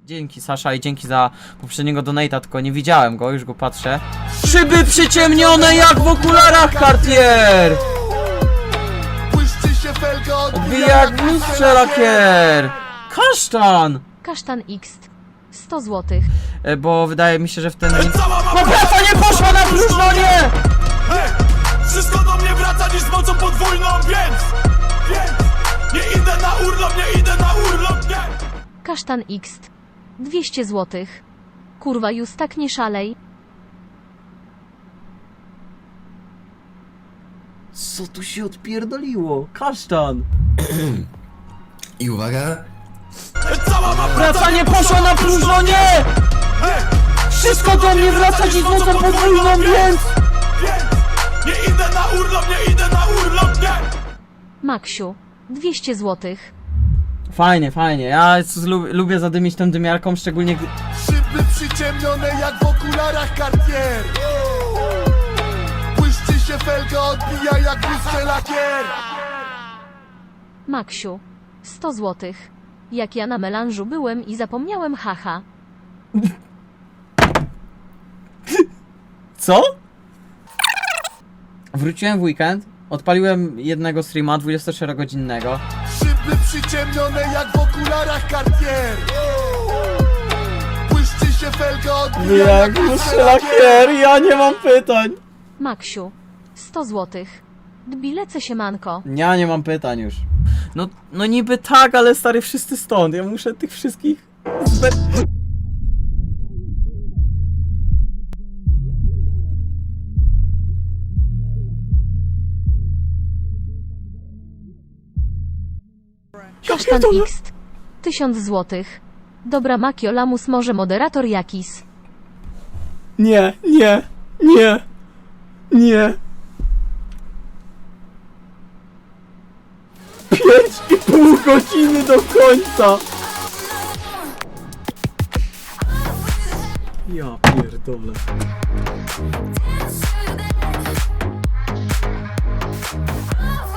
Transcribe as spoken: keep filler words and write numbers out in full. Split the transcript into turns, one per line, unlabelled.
Dzięki Sasza i dzięki za poprzedniego donate'a, tylko nie widziałem go, już go patrzę. Szyby przyciemnione jak w okularach Cartier! Odbija jak w lustrze lakier! Kasztan!
Kasztan X. sto złotych.
E, bo wydaje mi się, że w ten... No praca nie poszła na próżno, nie!
Hej! Wszystko do mnie wraca dziś z mocą podwójną, więc... Więc... Nie idę na urlop, nie idę na urlop, nie!
Kasztan X. dwieście złotych. Kurwa, już tak nie szalej.
Co tu się odpierdoliło? Kasztan!
I uwaga,
Cała ma
Praca nie poszła na próżno, nie!
Hej!
Wszystko do mnie wraca dziś z mocą podwójną, więc...
Więc... Nie idę na urlop, nie idę na urlop, nie!
Maksiu. dwieście złotych.
Fajnie, fajnie. Ja lubię, lubię zadymić tą dymiarką, szczególnie gdy...
Szyby przyciemnione jak w okularach Cartier. Błyszczy się felga, odbija jak w lustrze lakier.
Maksiu. sto złotych. Jak ja na melanżu byłem i zapomniałem haha.
Co? Wróciłem w weekend, odpaliłem jednego streama dwudziestoczterogodzinnego.
Szyby przyciemnione jak w okularach Cartier. Błyszczy się felga, odbija jak w lustrze lakier.
ja nie mam pytań.
Maksiu. sto złotych. Dbilece się manko.
Ja nie mam pytań już. No, no niby tak, ale stary, wszyscy stąd. Ja muszę tych wszystkich... zbe-
Kasztan X. tysiąc złotych. Dobra Makio Lamus może moderator jakis.
Nie, nie, nie, nie. Pięć i pół godziny do końca. Ja pierdolę.
Dance to the